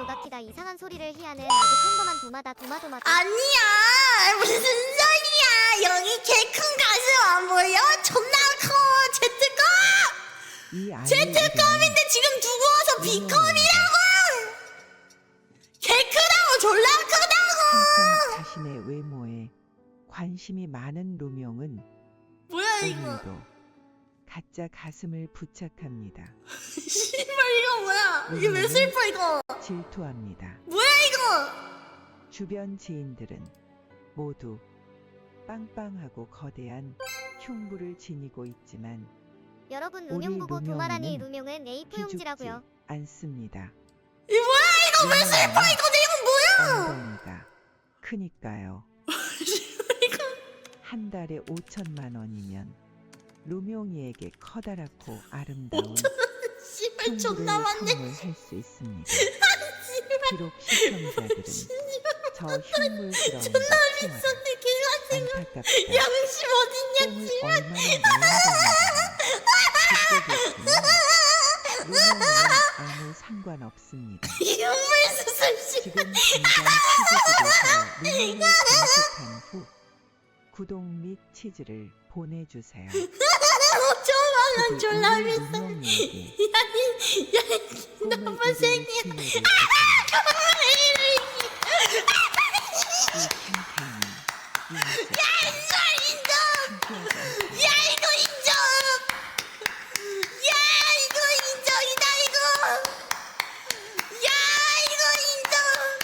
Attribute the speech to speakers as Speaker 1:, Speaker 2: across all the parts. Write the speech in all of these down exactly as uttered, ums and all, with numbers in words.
Speaker 1: 오가키가 이상한 소리를 희하는 아주 평범한 도마다 도마도마다.
Speaker 2: 아니야 무슨 소리야. 여기 개 큰 가슴 안 보여? 존나 커. 제트컵
Speaker 3: 이 아이의
Speaker 2: 제트컵인데 지금 두고 와서
Speaker 3: 이름은
Speaker 2: B컵이라고. 개 크다고. 졸라 크다고.
Speaker 3: 한참 자신의 외모에 관심이 많은 루명은
Speaker 2: 뭐야 이거.
Speaker 3: 오늘도 가짜 가슴을 부착합니다.
Speaker 2: 씨발 이거 뭐야. 이게 왜 슬퍼 이거.
Speaker 3: 질투합니다.
Speaker 2: 뭐야 이거.
Speaker 3: 주변 지인들은 모두 빵빵하고 거대한 흉부를 지니고 있지만
Speaker 1: 여러분
Speaker 3: 우리
Speaker 1: 루명 보고 도마라니
Speaker 3: 루명이는
Speaker 1: 루명은 에이
Speaker 3: 기죽지
Speaker 1: 포용지라고요.
Speaker 3: 않습니다.
Speaker 2: 이 뭐야 이거. 왜 슬퍼 이거. 내용 뭐야.
Speaker 3: 엉덩이가 크니까요. 한 달에 오천만 원이면 루명이에게 커다랗고 아름다운
Speaker 2: 씨발 존나 많네.
Speaker 3: 할 수 있습니다. 비록 시청자들은 저 흉물스러운
Speaker 2: 존나
Speaker 3: 치마를
Speaker 2: 비싼데 걔가 지금
Speaker 3: 안타깝다
Speaker 2: 양심 어딨냐
Speaker 3: 뽕을
Speaker 2: 씨발.
Speaker 3: 얼마나 내는지 루명이는 아무 상관없습니다.
Speaker 2: 이물 수술 씨.
Speaker 3: 지금 당장 치즈집에서 루명을 검색한 후 구독 및 치즈를 보내주세요.
Speaker 2: 오천만 원 졸라
Speaker 3: 부디
Speaker 2: 비싸.
Speaker 3: 루명이에게
Speaker 2: 야이 야이
Speaker 3: 꿈을
Speaker 2: 너무
Speaker 3: 이룰
Speaker 2: 생긴.
Speaker 3: 기회를 주세요. 이 캠페인은
Speaker 2: 야 이거 인정. 야 이거 인정이다 이거. 야 이거 인정.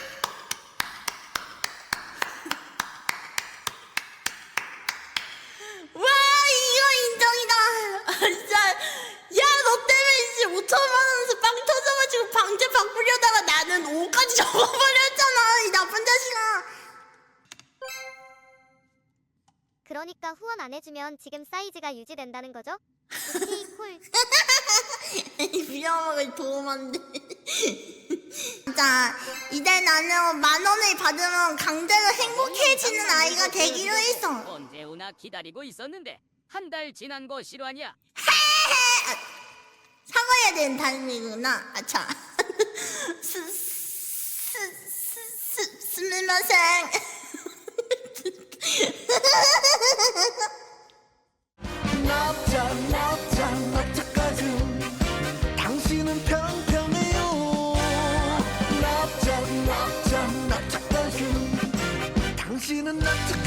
Speaker 2: 와 이거 인정이다. 아, 진짜 야 너 때문에 이제 오천만 원에서 빵 터져가지고 방제 바꾸려다가 나는 오까지 접어버렸잖아 이 나쁜 자식아.
Speaker 1: 그러니까 후원 안 해주면 지금 사이즈가 유지된다는 거죠? 오케이 콜.
Speaker 2: 비어먹을 도움 안 돼. 자, 이제 나는 만 원을 받으면 강제로 행복해지는 아이가 되기로 했어.
Speaker 4: 언제 오나 기다리고 있었는데 한 달 지난 거 실화냐?
Speaker 2: 사과해야 되는 타이밍이구나. 아차. 스, 스, 스, 스, 스미마생.
Speaker 5: 납작 납작 납작가슴 당신은 평평해요. 납작 납작 납작가슴 당신은 납작